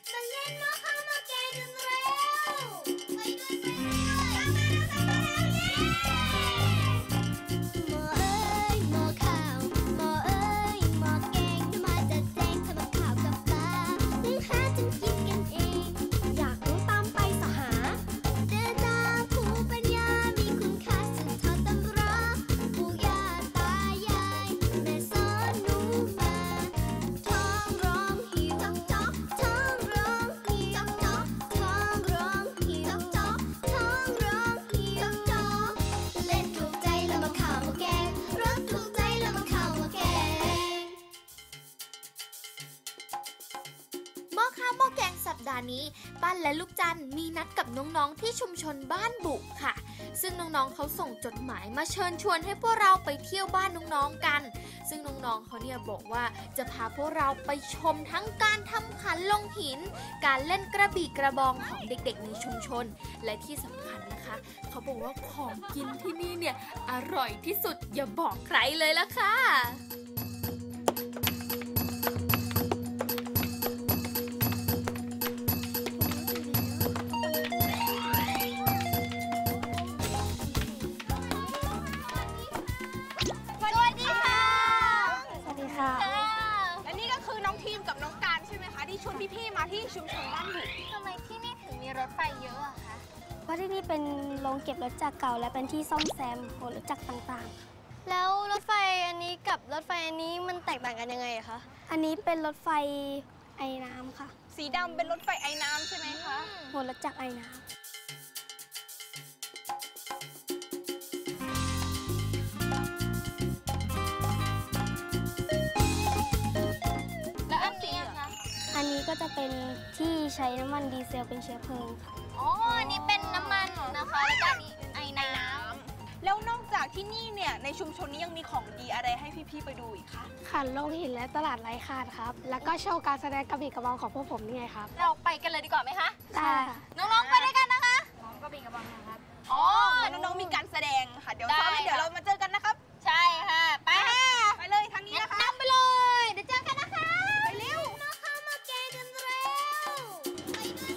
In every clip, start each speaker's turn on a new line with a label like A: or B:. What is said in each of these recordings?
A: มาเล่นหม้อข้าวหม้อแกงกันเร็วไปด้วยหม้อเอ้ยหม้อข้าวหม้อเอ้ยหม้อแกงจะมาจัดแจงทำกับข้าวกับปลาซื้อหาจนกินกันเองอยากรู้ตามไปสหาเดินตามภูมิปัญญามีคุณค่าสืบทอดตำราปู่ย่าตายายแม่สอนหนูมาท้องร้องหิวจ๊อกท้องร้องหิวจ๊อกท้องร้องหิวจ๊อกท้องร้องหิวจ๊อกเล่นถูกใจแล้วมาข้าวมาแกงรสถูกใจแล้วมาข้าวมาแกงหม้อข้าวหม้อแกงสัปดาห์นี้ปั้นและลูกจันมีนัดกับน้องๆที่ชุมชนบ้านบุค่ะ ซึ่งน้องๆเขาส่งจดหมายมาเชิญชวนให้พวกเราไปเที่ยวบ้านน้องๆกัน ซึ่งน้องๆเขาเนี่ยบอกว่าจะพาพวกเราไปชมทั้งการทำขันลงหิน การเล่นกระบี่กระบองของเด็กๆในชุมชน และที่สำคัญนะคะ เขาบอกว่าของกินที่นี่เนี่ยอร่อยที่สุดอย่าบอกใครเลยละค่ะ
B: สวัสดีค่ะ
C: สวัสดีค่ะ
B: และนี่ก็คือน้องทีมกับน้องการใช่ไหมคะที่ชวนพี่ๆมาที่ชุมชนบ้านบุ
A: ทำไมที่นี่ถึงมีรถไฟเยอะอะคะ
C: เพราะที่นี่เป็นโรงเก็บรถจักรเก่าและเป็นที่ซ่อมแซมหัวรถจักรต่าง
A: แล้วรถไฟอันนี้กับรถไฟอันนี้มันแตกต่างกันยังไงอะคะ
C: ๆ อันนี้เป็นรถไฟไอ้น้ำค่ะ
B: สีดำเป็นรถไฟไอ้น้ำใช่ไหมคะ
C: หัวรถจักรไอ้น้
A: แล้วอันนี้อะคะ
C: ำอันนี้ก็จะเป็นที่ใช้น้ำมันดีเซลเป็นเชื้อเพลิงค่ะ
A: อ๋อ อันนี้เป็นน้ำมันนะคะ แล้วก็อันนี้ไอ้น้ำ
B: แล้วนอกจากที่นี่เนี่ยในชุมชนนี้ยังมีของดีอะไรให้พี่ๆไปดูอีกคะ
C: ขันลงหินและตลาดไร้คาดครับ แล้วก็โชว์การแสดงกระบี่กระบองของพวกผมนี่ไงครับ
A: เราไปกันเลยดีกว่าไหมคะ
C: ได้ค่ะ
A: น้องๆไปด้วยกันนะคะ
B: อ๋อน้องๆมีการแสดงค่ะเดี๋ยวซ้อม
A: ได้
B: เดี๋ยวเรามาเจอกันนะครับ
A: ใช่ค่ะ ไปค่ะ
B: ไปเลยทางนี้นะคะ
A: นำไปเลย เดี๋ยวเจอกันนะคะ
B: ไปเร็ว
A: มาข้าวมาแกงกันเร็วไปด้วย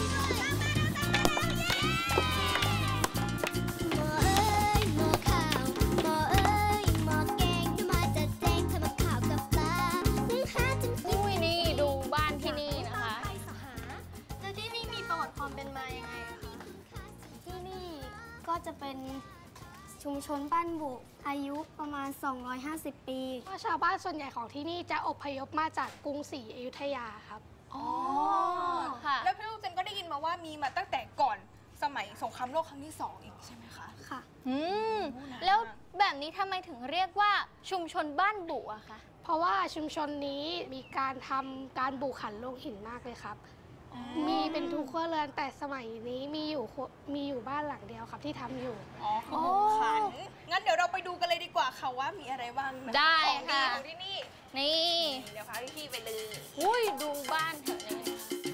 A: หม้อเอ้ยหม้อข้าวหม้อเอ้ยหม้อแกงจะมาจัดแจงทำกับข้าวกับปลาซื้อหาจนกิน
D: อุ้ยนี่ดูบ้านที่นี่นะคะ
A: ไปสหาแล้วที่นี่มีประวัติความเป็นมายังไงอะคะ
C: ที่นี่ก็จะเป็นชุมชนบ้านบุอายุประมาณ 250 ปีชาวบ้านส่วนใหญ่ของที่นี่จะอพยพมาจากกรุงศรีอยุธยาครับ
B: อ๋อ
D: ค่ะ
B: แล้วพี่ลูกเจนก็ได้ยินมาว่ามีมาตั้งแต่ก่อนสมัยสงครามโลกครั้งที่2อีกใช่ไหมคะ
C: ค่ะ
D: อืม แล้วแบบนี้ทำไมถึงเรียกว่าชุมชนบ้านบุอะคะ
C: เพราะว่าชุมชนนี้มีการทำการบุขันลงหินมากเลยครับ มีเป็นทุกครัวเรือนแต่สมัยนี้มีอยู่บ้านหลังเดียวครับที่ทำอยู่
B: อ๋อคือบุกขันงั้นเดี๋ยวเราไปดูกันเลยดีกว่าค่ะว่ามีอะไรบ้างนะ
D: ได้
B: ของดี
D: ค่ะ
B: ของที่นี่
D: นี่
B: เดี๋ยวพาพี่ๆไปเลย
D: อุ้ยดูบ้านเถอะเลย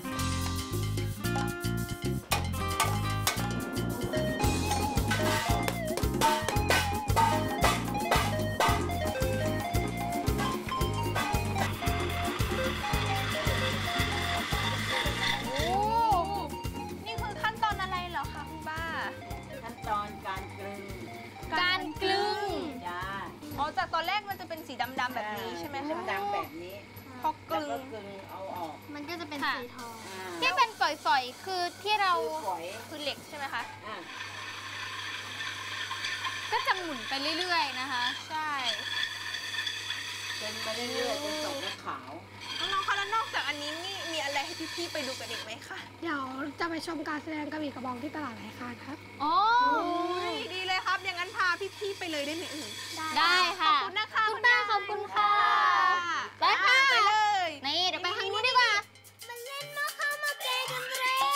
B: โอ้นี่คือขั้นตอนอะไรเหรอคะคุณป้า
E: ขั้นตอนการกลึง
D: การกลึง
E: จ้า
B: อ๋อจากตอนแรกมันจะเป็นสีดำๆแบบนี้ใช่ไหมคะ
E: ดำๆแบบนี้
B: พอกลึง
E: แล้วก็กลึงเอาออก
A: มันก็จะเป็น
D: ค่ะ
A: สีทอง
E: อ่า
D: ที่เป็นฝอยๆ คือที่เรา
E: คือฝอย
B: คือเหล็กใช่ไหมคะ
E: อ่า
D: ก็จะหมุนไปเรื่อยๆนะคะ
B: ใช่
E: จนมาเรื่อยๆจนตกเป็นขาว
B: น้องๆคะแล้วนอกจากอันนี้นี่มีอะไรให้พี่ๆไปดูกันอีกไหมคะ
C: เดี๋ยวจะไปชมการแสดงกระบี่กระบองที่ตลาดไร้คาดครับ
D: อ๋อ
B: อุ้ยดีเลยครับ อย่างนั้นพาพี่ๆไปเลยได้ไหมเอ่ย
D: ได้ค่ะ
B: ขอบคุณนะคะ
D: คุณป้าขอบคุณค่ะ ไป
B: ไป
D: ค่ะ
B: ไปเลย
D: นี่เดี๋ยวไปทางนู้นดีกว่า
A: มาเล่นหม้อข้าวหม้อแกงกันเร็ว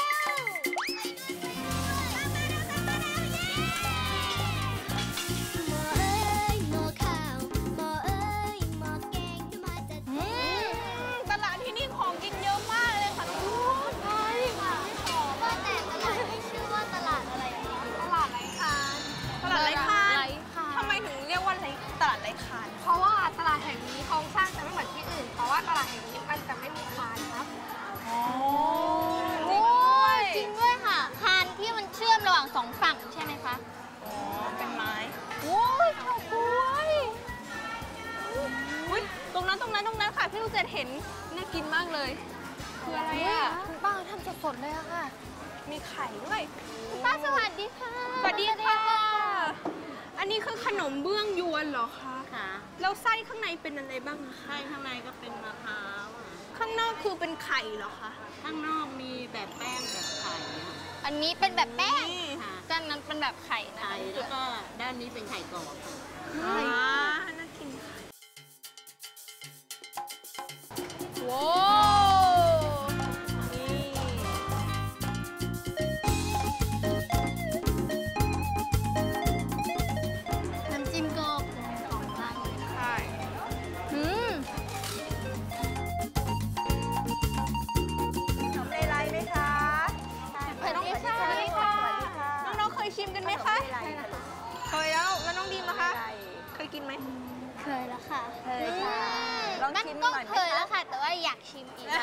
A: หม้อเอ้ยหม้อข้าวหม้อเอ้ยหม้อแกงจะมาจัดแจง
B: ตลาดที่นี่ของกินเยอะมากเลยค่ะน้องๆ
A: ใช่ค่ะว่าแต่ตลาดนี้ชื่อว่าตลาดอะไรคะ
B: ตลาดไร้คานตลาดไร้คาน
D: ไร้คาน
B: ทำไมถึงเรียกว่าตลาดไร้คาน
C: เพราะว่าตลาดแห่งนี้โครงสร้างจะไม่เหมือนที่อื่น เพราะว่าตลาดแห่งนี้มันจะไม่มีคาน
B: ห็นน่ากินมากเลยคืออะไรอ่ะ
D: คุณป้าทำสดๆเลยอะค่ะ
B: มีไข่ด้วย
D: คุณป้าสวัสดีค่ะ
B: สวัสดีค่ะ อันนี้คือขนมเบื้องยวนเหรอคะ
E: ค่ะ
B: แล้วไส้ข้างในเป็นอะไรบ้างอะคะ
E: ไส้ข้างในก็เป็นมะพร้าวอะ
B: ข้างนอกคือเป็นไข่เหรอคะ
E: ข้างนอกมีแบบแป้งแบบไข่อะ
D: อันนี้เป็นแบบแป้ง
B: นี่
E: ค่ะ
D: ด้านนั้นเป็นแบบไข่นะ
E: ไข่
D: คะ
E: แล้วก็ด้านนี้เป็นไข่กรอบค่ะ
B: อ่าน่ากินค่ะว้าวนี่
C: น้ำจิ้มก็หอมมากเลย
B: ใช่
D: อืม
B: ขนมเลไลไหมคะ
D: สวัสดีค่ะ
B: น้องๆเคยชิมกันไหมคะเคยแล้วน้องดีมนะคะ เคยกินไหม
C: เคยแล้วค่ะ
B: เคยค่ะ
D: มันก็เคยแล้วค่ะ แต่ว่าอยากชิมอีก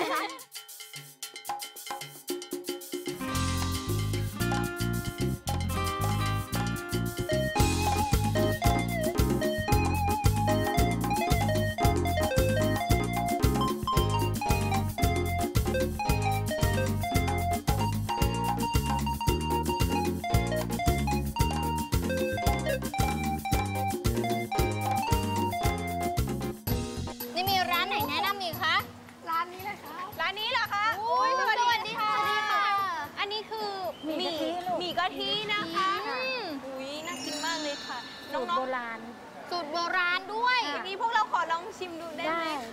D: นี่มีร้านไหนแนะนำอีกคะ
C: ร้านนี้เลยครับ
B: ร้านนี้เหรอคะ
D: โอ้ยสวัสดีค่ะ
B: อันนี้คือหมี่กะทินะคะ อุ้ยน่ากินมากเลยค่ะ น้องๆ
D: สูตรโบราณด้วย
B: วันนี้พวกเราขอลองชิมดูได้ไหมคะ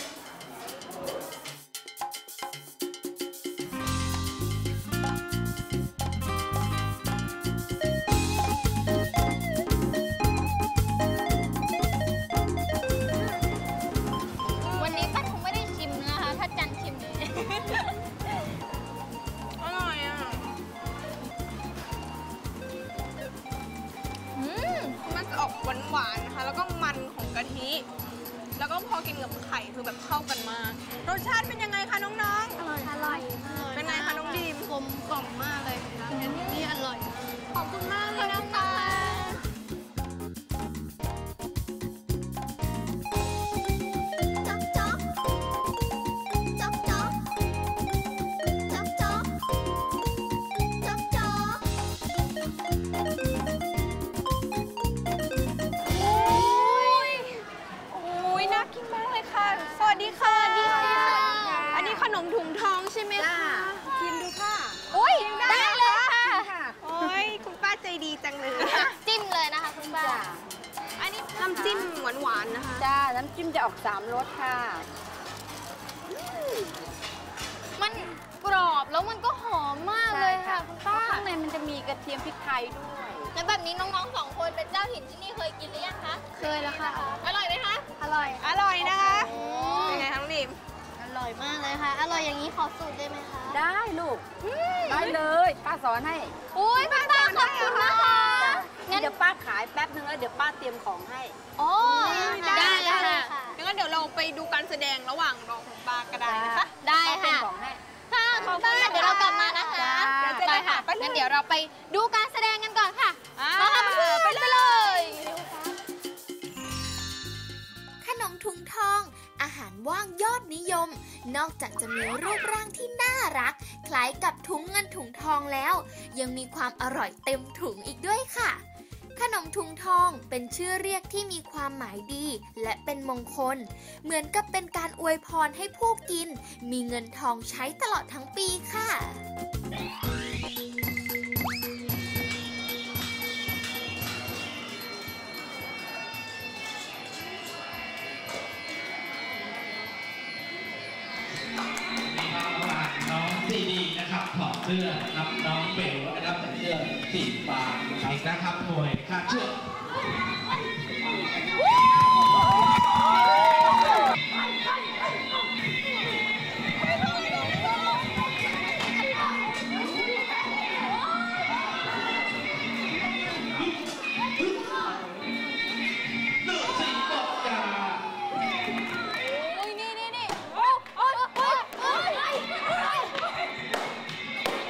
D: วันนี้ป้าคงไม่ได้ชิมนะคะ ถ้าจันชิมเลย
B: อร่อยอ่ะ มันจะออกหวานๆนะคะ แล้วก็มันของกะทิ แล้วก็พอกินกับไข่คือแบบเข้ากันมาก รสชาติเป็นยังไงคะน้อง
C: อร่อยมาก
B: ๆ เป็นไงคะน้องดีม
C: กลมกล่อมมากเลยครับนี่อร่อยมาก
B: ขอบคุณมากเลยนะคะ
A: จ๊อกจ๊อกจ๊อกจ๊อกจ๊อกจ๊อกจ๊อกจ๊อก
B: โอ้ยน่ากินมากเลยค่ะ สวัสดีค่ะ อันนี้ขนมถุงทองใช่ไหมคะ
E: ชิมดูค่ะ
D: อุ้ยได้เลยค่ะ
B: โอ้ยคุณป้าใจดีจังเลย
D: จิ้มเลยนะคะคุณป้า
B: อันนี้น้ำจิ้มหวานๆนะคะ
E: จ้า น้ำจิ้มจะออก3รสค่ะ
D: มันกรอบแล้วมันก็หอมมากเลยค่ะคุณป้า
E: ข้างในมันจะมีกระเทียมพริกไทยด้วย
D: แล้วแบบนี้น้องๆ2 คนเป็นเจ้าถิ่นที่นี่เคยกินหรือยังคะ
C: เคยแล้วค่ะ
D: อร่อยไหมคะ
C: อร่อย
B: อร่อยนะคะ เป็นไงคะน้องดิม
C: อร่อยมากเลยค่ะ อร่อยอย่างนี้ขอสูตรได้ไหมคะ
E: ได้ลูก ได้เลยป้าสอนให้
D: อุ้ยคุณป้าขอบคุณนะคะ งั้น
E: เดี๋ยวป้าขายแป๊บนึงแล้วเดี๋ยวป้าเตรียมของให้
D: โอ้ได้เลยค่ะ
B: งั้นเดี๋ยวเราไปดูการแสดงระหว่างรอคุณป้าก็ได้นะคะ
D: ได้
E: ป้าเตรีย
D: ค่ะ
E: มของให้
D: ค่ะคุณป้าเดี๋ยวเรากลับมานะคะ
E: จ้า
D: ได้ค่ะงั้นเดี๋ยวเราไปดูการแสดงกันก่อนค่ะ
B: อ่า
D: ไปเลย
F: ขนมถุงทอง อาหารว่างยอดนิยม นอกจากจะมีรูปร่างที่น่ารัก คล้ายกับถุงเงินถุงทองแล้ว ยังมีความอร่อยเต็มถุงอีกด้วยค่ะ ขนมถุงทองเป็นชื่อเรียกที่มีความหมายดี และเป็นมงคล เหมือนกับเป็นการอวยพรให้ผู้กิน มีเงินทองใช้ตลอดทั้งปีค่ะ
G: น้องซีดีนะครับถอดเสื้อนะครับน้องเบลนะครับใส่เสื้อสีฟ้าอีกนะครับหน่วยคาดเชือก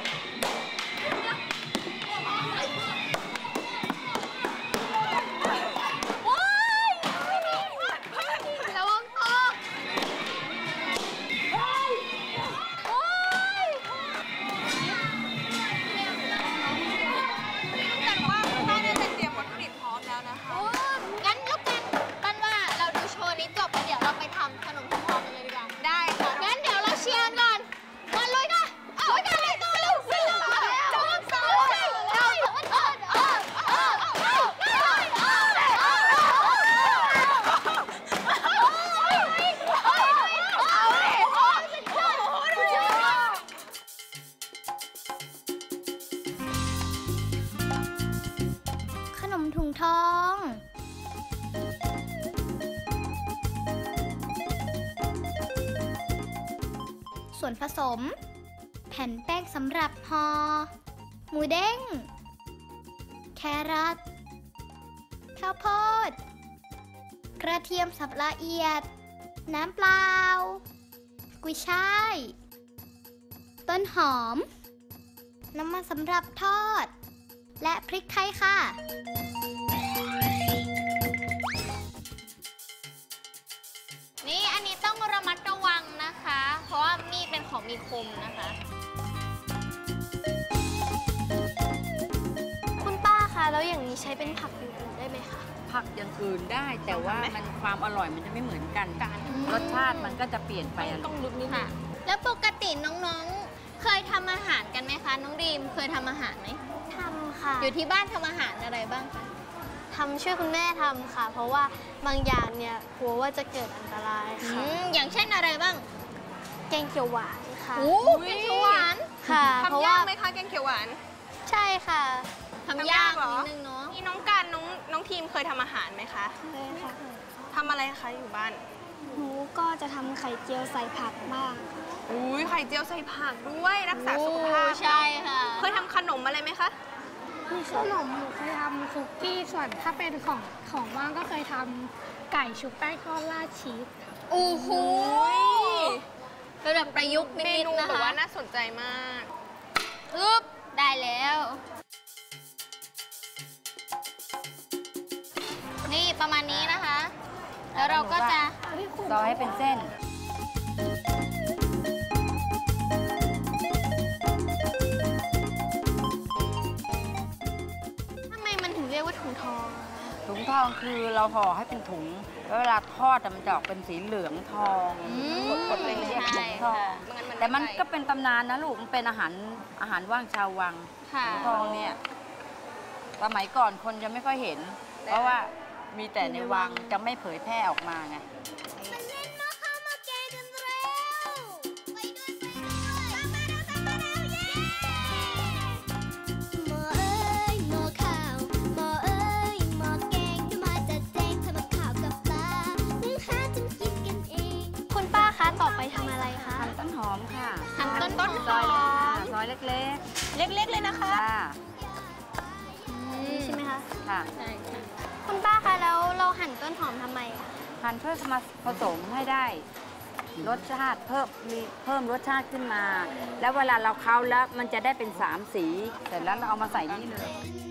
B: เ
D: ส่วนผสม แผ่นแป้งสำหรับห่อหมูเด้งแครอทข้าวโพดกระเทียมสับละเอียดน้ำเปล่ากุยช่ายต้นหอมน้ำมันสำหรับทอดและพริกไทยค่ะนี่อันนี้ต้องระมัดระวังนะคะเพราะว่ามีดเป็นของมีคมนะคะ
C: คุณป้าคะแล้วอย่างนี้ใช้เป็นผักอื่นๆได้ไหมคะ
E: ผักอย่างอื่นได้แต่ว่ามันความอร่อยมันจะไม่เหมือนกันรสชาติมันก็จะเปลี่ยนไปต้องลึกนิดนึ
D: ค่ะ
E: ง
D: แล้วปกติน้องๆเคยทำอาหารกันไหมคะน้องดีมเคยทำอาหารไหม
C: ทำค่ะ
D: อยู่ที่บ้านทำอาหารอะไรบ้างคะ
C: ทำช่วยคุณแม่ทำค่ะ เพราะว่าบางอย่างเนี่ยกลัวว่าจะเกิดอันตรายค่ะ
D: อย่างเช่นอะไรบ้าง
C: แกงเขียวหวานค่ะ
D: โอ้แกงเขียวหวาน
C: ค่ะเพราะ
B: ทำยา
C: ว่าก
B: ไหมคะแกงเขียวหวาน
C: ใช่ค่ะ
D: ทำยาก
B: เหรอ
D: นิดนึงเนาะ
B: นี่น้องการน้องทีมเคยทำอาหารไหมคะ
C: ใช่ค่ะ
B: ทำอะไรคะอยู่บ้าน
C: หนูก็จะทำไข่เจียวใส่ผักบ้างค่ะ
B: อุ้ยไข่เจียวใส่ผักด้วยรักษาสุขภาพ
D: ใช่ค่ะ
B: เคยทำขนมอะไรไหมคะ
C: มีขนมหนูเคยทำคุกกี้ส่วนถ้าเป็นของว่างก็เคยทำไก่ชุบแป้งทอดราดชีส
D: โอ้โหเป็นแบบประยุกต์
B: เม
D: นิด
B: นู
D: ๆนะ
B: แบบ
D: คะ
B: ว่าน่าสนใจมาก
D: อึ๊บได้แล้ว นี่ประมาณนี้นะคะ แล้วเราก็จะ
E: ซอยให้เป็นเส้น
C: ทำไมมันถึงเรียกว่าถุงทอง
E: ถุงทองคือเราห่อให้เป็นถุงแล้วเวลาทอดอะมันจะออกเป็นสีเหลืองทอง
B: กดๆเลยๆ
E: เรียกถุงทอง
B: ไม่งั้นมัน
E: แต่มัน
B: ไม่ไป
E: ก็เป็นตำนานนะลูกมันเป็นอาหารว่างชาววัง
D: ค่ะ
E: ถุงทองเนี่ยสมัยก่อนคนจะไม่ค่อยเห็น เพราะว่ามีแต่ในวังจะไม่เผยแพร่ออกมาไง
A: มาเล่นหม้อข้าวหม้อแกงกันเร็วไปด้วยตามมาเร็วเย้หม้อเอ้ยหม้อข้าวหม้อเอ้ยหม้อแกงเดี๋ยวมาจัดแจงทำกับข้าวกับปลานึ่งหาจนกินกันเอง
C: คุณป้าคะต่อไปทำอะไรคะ
E: หั่นต้นหอมค่ะ
D: หั่นต้นหอม
E: ซอยเล็กค่ะซอยเล็ก
B: เล็กๆเลยนะคะ
E: ๆค่ะ
C: นี่ใช่ไหมคะ
E: ค่ะ
D: ใช่ค่ะ
C: คุณป้าคะแล้วเราหั่นต้นหอมทำไมคะ
E: หั่นเพื่อมาผสมให้ได้รสชาติเพิ่มรสชาติขึ้นมา แล้วเวลาเราเค้าแล้วมันจะได้เป็น3สีเสร็จแล้วเราเอามาใส่นี่เลย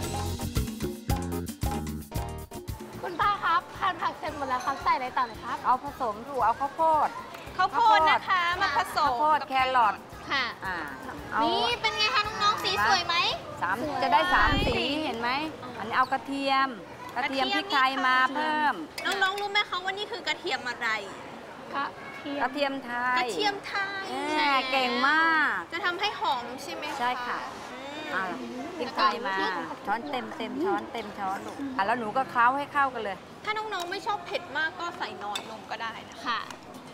C: คุณป้าครับหั่นผักเสร็จหมดแล้วครับใส่อะไรต่อเลยครับ
E: เอาผสมดูเอาข้าวโพด
B: ข้าวโพดนะคะมาผส
E: ข้าว
B: ม
E: โพด
B: กับ
E: แครอท
D: ค่ะ
E: เอา
D: นี่เป็นไงคะน้องๆสีสวยไหม
E: จะได้3สีเห็นไหมอันนี้เอากระเทียมพริกไทยมาเพิ่ม
B: น้องๆรู้ไหมคะว่านี่คือกระเทียมอะไร
C: กระเทียม
E: กระเทียมไทย
B: กระเทียมไทย
E: เก่งมาก
B: จะทำให้หอมใช่ไหม
E: ใช่ค่ะ
B: อืม
E: พริกไทยมาช้อนเต็มช้อนเต็มช้อนลูกแล้วหนูก็เคล้าให้เข้ากันเลย
B: ถ้าน้องๆไม่ชอบเผ็ดมากก็ใส่น้อยลงก็ได้นะคะ
D: ค่ะ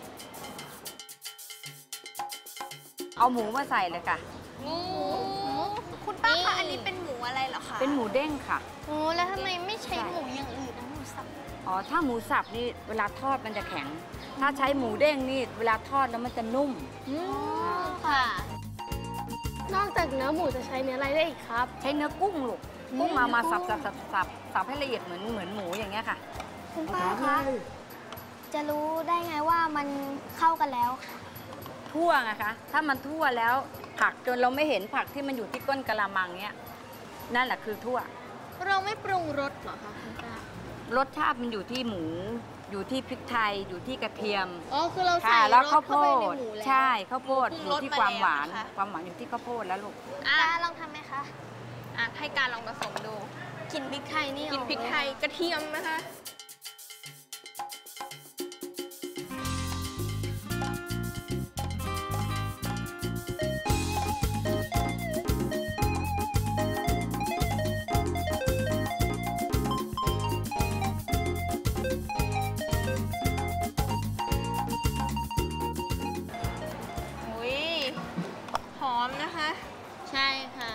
E: เอาหมูมาใส่เลยค่ะ
B: หมูคุณป้า
D: นี่
B: คะอันนี้เป็นหมูอะไรเหรอคะ
E: เป็นหมูเด้งค่ะ
C: โอ้แล้วทำไมไม่ใช้หมูอย่างอื่นนะหมูสับ
E: อ๋อ ถ้าหมูสับนี่เวลาทอดมันจะแข็ง ถ้าใช้หมูเด้งนี่เวลาทอดแล้วมันจะนุ่ม
D: ค่ะ
C: นอกจากเนื้อหมูจะใช้เนื้ออะไรได้อีกครับ
E: ใช้เนื้อกุ้งลูก กุ้งมาสับให้ละเอียดเหมือนหมูอย่างเงี้ยค่ะ
C: คุณป้าคะจะรู้ได้ไงว่ามันเข้ากันแล้วค่ะ
E: ทั่วไงคะ ถ้ามันทั่วแล้วผักจนเราไม่เห็นผักที่มันอยู่ที่ก้นกะละมังเนี้ยนั่นแหละคือทั่ว
D: เราไม่ปรุงรสเหรอคะคุณป้าร
E: สชาติมันอยู่ที่หมู อยู่ที่พริกไทย อยู่ที่กระเทียม
D: อ๋อคือเราใส่
E: ค่ะ
D: ร
E: แล้ว
D: ส
E: ข้าวโพ
D: เข้าไปใน
E: ด
D: หมูแล้ว
E: ใช่ข้าวโพด
B: ปรุง
E: อยู่
B: รส
E: ที่
B: มา
E: ความหวาน
B: แล้วนะคะ
E: ความหวานอยู่ที่ข้าวโพดแล้วลูก
B: อ่ะ
C: ป้าลองทำไหมคะ
B: อ่ะให้การลองผสมดู
C: กลิ่นพริกไทยนี่
B: กินพริกไทยกระเทียมนะคะ อุ้ยหอมนะคะ
D: ใช่ค่ะ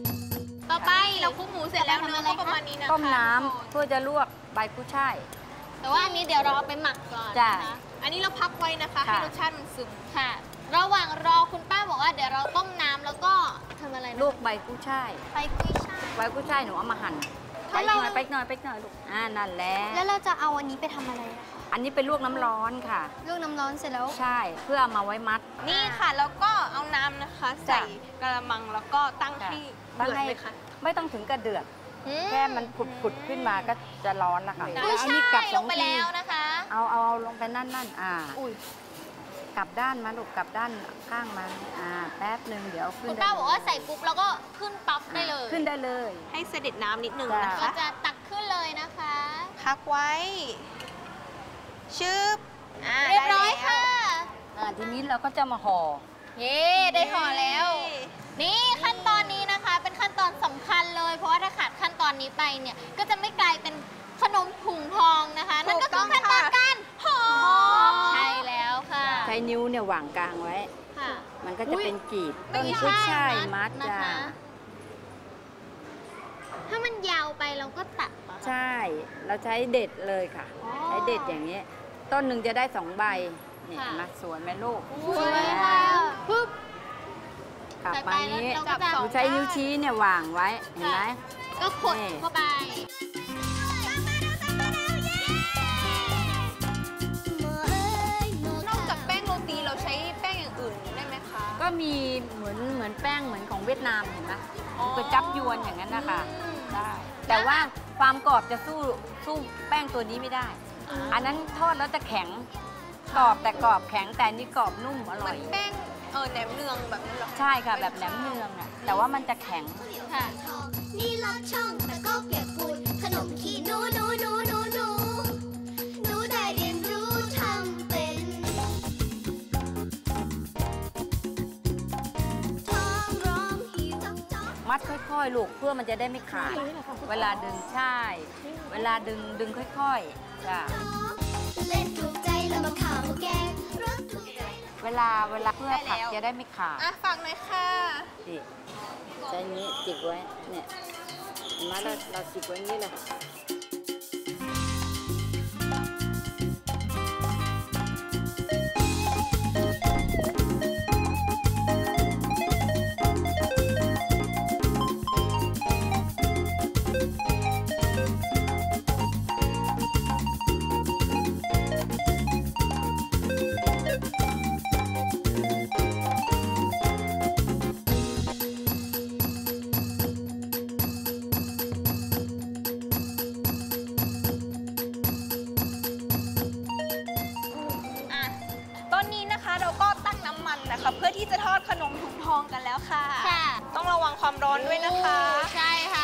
D: ต่อไป
B: เราคลุกหมูเสร็จแล้วเนื้อก็ประมาณนี้นะคะ
E: ต้มน้ำเพื่อจะลวกใบกุ้ยช่าย
D: แต่ว่าอันนี้เดี๋ยวเราเอาไปหมักก่อน
E: จ้ะ
D: นะคะ
B: อันนี้เราพักไว้นะคะ ให้
E: ค่ะ
B: รสชาติมันซึม
D: ค่ะ ระหว่างรอคุณป้าบอกว่าเดี๋ยวเราต้มน้ำแล้วก็ทำอะไรนะ
E: ลูกใบกุ้ยช่าย
D: ไปกุ้ยช่าย
E: ใบกุ้ยช่ายหนูเอามาหั่นไป
D: แล้ว
E: หน่
D: เรา
E: อยไปหน่อยไปหน่อยลูกนั่นแหละ
D: แล้วเราจะเอาอันนี้ไปทำอะไรอะคะ
E: อันนี้เป็นลวกน้ำร้อนค่ะ
D: ลวกน้ำร้อนเสร็จแล้ว
E: ใช่เพื่อเอามาไว้มัด
B: นี่ค่ะ แล้วก็เอาน้ำนะคะ ใส่กระมังแล้วก็ตั้งให้
E: ตั้ง
B: เดือด
E: ให้
B: เลยค่ะ
E: ไม่ต้องถึงกระเดือด แค่มันผุดขึ้นมาก็จะร้อนแล้วค่ะ
D: กุ้ย
E: เอา
D: ช่า
E: นี่กลับ
D: ย
E: ส
D: ล
E: อง
D: งไป
E: ที
D: แล้วนะคะ
E: เอาลงไปนั่นกลับด้านมาลูกกลับด้านข้างมันแป๊บหนึ่งเดี๋ยวขึ้น
D: คุณ
E: ได้
D: ป้าบอกว่าใส่ปุ๊บแล้วก็ขึ้นปั๊บได้เลย
E: ขึ้นได้เลย
B: ให้เสด็จน้ำนิดนึง
E: จ้ะ
B: นะ
D: ก็
B: คะ
D: จะตักขึ้นเลยนะคะ
B: พักไว้ชึบ
D: เรียบร้อยค่ะ
E: ทีนี้เราก็จะมาห่อ
D: เย้ได้ห่อแล้ว นี่ขั้นตอนนี้นะคะ เป็นขั้นตอนสำคัญเลย เพราะว่าถ้าขาดขั้นตอนนี้ไปเนี่ย ก็จะไม่กลายเป็นขนมถุงทองนะคะ นั่นก็คือขั้นตอนการห่อใช่แล้วค่ะ
E: ใช้นิ้วเนี่ยวางกลางไว้
D: ค่ะ
E: มันก็จะเป็นกีบ
D: ไม่
E: ต้น
D: ใช่
E: กุ้ยช่าย
D: มั
E: มั
D: ด
E: ด
D: นะ
E: จ้า
D: คะ ถ้ามันยาวไปเราก็ตัดเหรอคะ
E: ใช่ เราใช้เด็ดเลยค่ะ
D: อ๋อ
E: ใช้เด็ดอย่างนี้ ต้นหนึ่งจะได้2 ใบนี่
D: ค่ะ
E: เห็นไหมสวยไหมลูก
D: สวยค่ะปึ๊บ
E: กลับ
D: ใส่
E: มา
D: ไป
E: นี้
D: แล้วเราก็จะ
E: หนูใช้นิ้วชี้เนี่ยวางไว้ เห็นไหม
D: ก็ขด
E: นี่
D: เข้าไป
B: นอกจากแป้งโรตีเราใช้แป้งอย่างอื่นได้ไหมคะ
E: ก็มีเหมือนแป้งเหมือนของเวียดนามเห็นไหม
B: อ๋อ
E: ก๋วยจับยวนอย่างนั้นนะคะ
D: อืม
E: ได้ แต่ว่าความกรอบจะสู้แป้งตัวนี้ไม่ได้ อันนั้นทอดแล้วจะแข็ง กรอบแต่กรอบแข็งแต่อันนี่กรอบนุ่มอ
B: เห
E: ร่
B: มื
E: อ
B: อย นแป้งแหนมเนืองแบบนั้นเหรอคะ
E: ใช่ค่ะแบบแหนมเนืองอ่ะแต่ว่ามันจะแข็ง
D: ค่ะ
A: นี่ลอดช่องแต่ก็เปียกฝุ่นขนมขี้หนูหนูได้เรียนรู้ทำเป็นท้องร้องหิวจ๊อก
E: มัดค่อยๆ ลูกเพื่อมันจะได้ไม่ขาด เวลาดึงใช่ เวลาดึงค่อยๆจ้ะ
A: เล่นถูกใจแล้วมาข่าวมาแกงรสถูกใจ
E: เวลาเพื่อผักจะได้ไม่ขาด
B: อ่ะฝากหน่อยค่ะ
E: ดิใช้นี้จิกไว้เนี่ยเห็นไหมเราจิกไว้อย่างนี้เลย
B: อ่ะตอนนี้นะคะเราก็ตั้งน้ำมันนะคะ เพื่อที่จะทอดขนมถุงทองกันแล้วค่ะ
D: ค่ะ
B: ต้องระวังความร้อนด้วยนะคะ
D: ใช่ค่ะ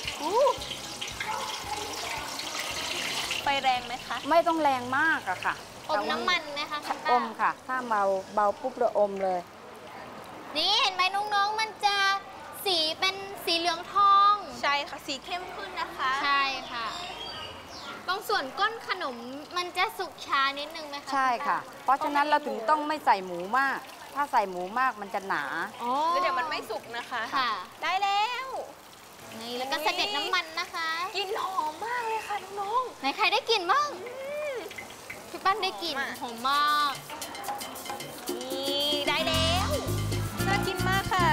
B: ไฟแรงไหมคะ
E: ไม่ต้องแรงมากอะค่ะ
D: อมน้ำมันนะคะคุณ
E: อ
D: ป้า
E: มค่ะ ถ้าเบาปุ๊บเราอมเลย
D: นี่เห็นไหมน้องๆ มันจะสีเป็นสีเหลืองทอง
B: ใช่ค่ะ สีเข้มขึ้นนะคะ
D: ใช่ค่ะ ตรงส่วนก้นขนมมันจะสุกช้านิดนึงไหมคะ
E: ใช่ค่ะ เพราะฉะนั้นเราถึงต้องไม่ใส่หมูมาก ถ้าใส่หมูมากมันจะหนา
D: อ๋อ
B: แล้วเดี๋ยวมันไม่สุกนะคะ
D: ค่ะ
B: ได้แล้ว
D: นี่แล้วก็เสด็จน้ำมันนะคะ
B: กลินหอมมากเลยค่ะน้อง
D: ไหนใครได้กลิ่นบ้างพี่ปั้นได้กลิ่นหอมมาก
B: ๆนี่ได้แล้ว น่ากินมากค่ะ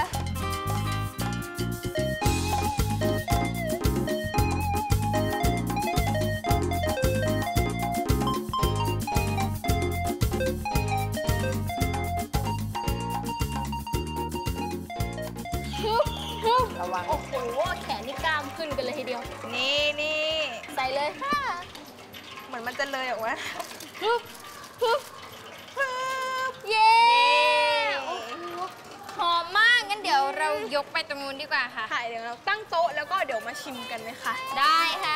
E: ระวัง
D: โอ้โห แขนนี่กล้ามขึ้นกันเลยทีเดียว
B: นี่
D: ใส่เลยค่ะ
B: เหมือนมันจะเลยออกมา
D: ฮึบฮึบเย้โอ้โหหอมมาก งั้นเดี๋ยวเรายกไปตรงนู้นดีกว่าค่ะ
B: ค่ะเดี๋ยวเราตั้งโต๊ะแล้วก็เดี๋ยวมาชิมกันเลยค่ะ
D: ได้ค่ะ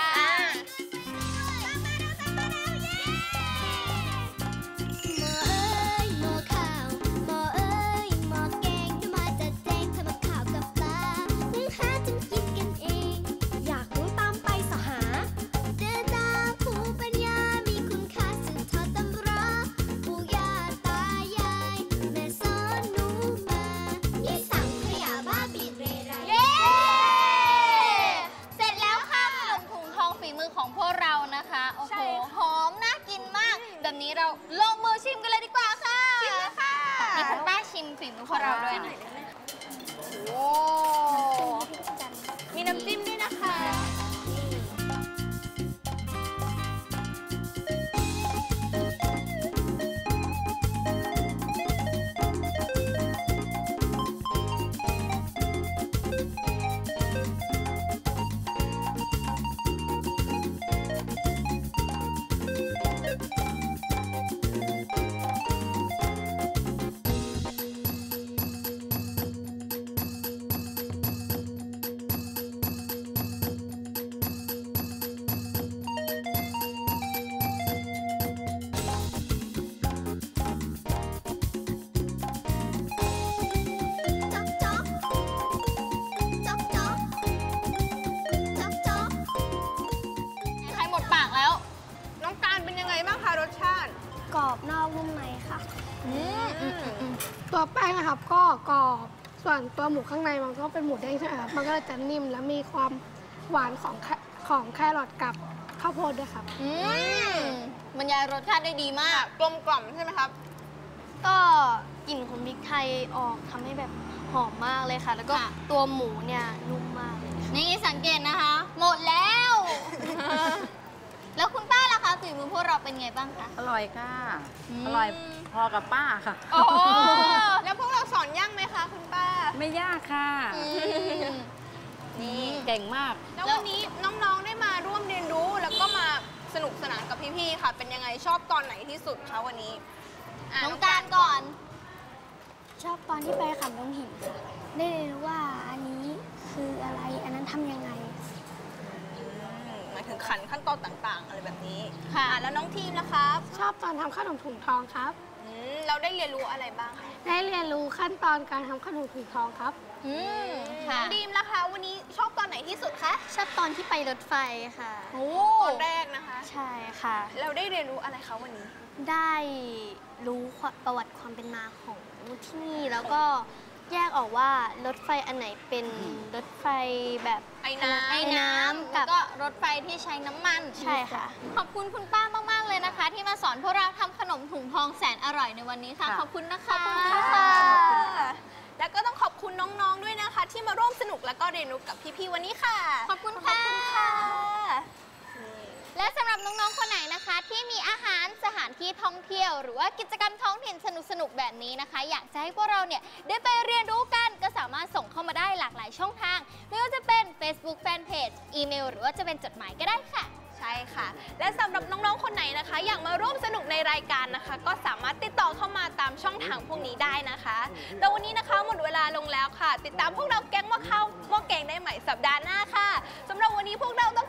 A: หม้อข้าวหม้อเอ้ยหม้อแกงจะมาจัดแจงทำกับข้าวกับปลานึ่งหาจนกินกันเอง อยากรู้ตามไปสหาเดินตามภูมิปัญญามีคุณค่าสืบทอดตำราปู่ย่าตายายแม่สอนหนูมานี่สั่งขยะบ้าบิดเรไร
D: เย้ เสร็จแล้วค่ะขนมถุงทองฝีมือของพวก
H: พวกเราด้วยนะโอ้มีน้ำจิ้มด้วยนะคะ
C: กรอบนอกนุ่มในค่ะตัวแป้งนะครับก็กรอบส่วนตัวหมูข้างในมันก็เป็นหมูเด้งใช่ไหมครับมันก็จะนิ่มและมีความหวานของแครอทกับข้าวโพดด้วยครับ
H: บรรยายรสชาติได้ดีมากกลมกล่อมใช่ไหมครับ
C: ก็กลิ่นของพริกไทยออกทำให้แบบหอมมากเลยค่ะแล้วก็ตัวหมูเนี่ยนุ่มมากเลย
H: นี่สังเกตนะคะหมดแล้วแล้วคุณป้าล่ะคะฝีมือพวกเราเป็นไงบ้างคะ
E: อร่อยค่ะอร่อยพอกับป้าค่ะ
H: โอ้แล้วพวกเราสอนยากไหมคะคุณป้า
E: ไม่ยากค่ะนี่เก่งมาก
H: แล้ววันนี้น้องๆได้มาร่วมเรียนรู้แล้วก็มาสนุกสนานกับพี่ๆค่ะเป็นยังไงชอบตอนไหนที่สุดคะวันนี้น้องการก่อน
C: ชอบตอนที่ไปขันลงหินค่ะได้เรียนรู้ว่าอันนี้คืออะไรอันนั้นทำยังไง
H: หมายถึงขันขั้นตอนต่างๆอะไรแบบนี้ค่ะแล้วน้องทีมนะครับ
C: ชอบตอนทำขนมถุงทองครับ
H: เราได้เรียนรู้อะไรบ้างคะ
C: ได้เรียนรู้ขั้นตอนการทำขนมถุงทองครับ
H: น้องดีมล่ะคะวันนี้ชอบตอนไหนที่สุดคะ
C: ชอบตอนที่ไปรถไฟค่ะ
H: ตอนแรกนะคะ
C: ใช่ค่ะ
H: เราได้เรียนรู้อะไรคะวันนี้
C: ได้รู้ประวัติความเป็นมาของที่นี่แล้วก็แยกออกว่ารถไฟอันไหนเป็นรถไฟแบบ
H: ไอ้น้ำ
C: กับ
H: ก็รถไฟที่ใช้น้ำมัน
C: ใช่ค่ะ
H: ขอบคุณคุณป้ามากๆเลยนะคะที่มาสอนพวกเราทำขนมถุงทองแสนอร่อยในวันนี้ค่ะขอบคุณนะคะขอบคุณค่ะแล้วก็ต้องขอบคุณน้องๆด้วยนะคะที่มาร่วมสนุกแล้วก็เรียนรู้กับพี่ๆวันนี้ค่ะขอบคุณค่ะและสำหรับน้องๆคนไหนนะคะที่มีอาหารสถานที่ท่องเที่ยวหรือว่ากิจกรรมท้องถิ่นสนุกๆแบบนี้นะคะอยากจะให้พวกเราเนี่ยได้ไปเรียนรู้กันก็สามารถส่งเข้ามาได้หลากหลายช่องทางไม่ว่าจะเป็น Facebook Fanpage อีเมลหรือว่าจะเป็นจดหมายก็ได้ค่ะใช่ค่ะและสำหรับน้องๆคนไหนนะคะอยากมาร่วมสนุกในรายการนะคะก็สามารถติดต่อเข้ามาตามช่องทางพวกนี้ได้นะคะแต่วันนี้นะคะหมดเวลาลงแล้วค่ะติดตามพวกเราแก๊งหม้อข้าวหม้อแกงได้ใหม่สัปดาห์หน้าค่ะสำหรับวันนี้พวกเราต้อง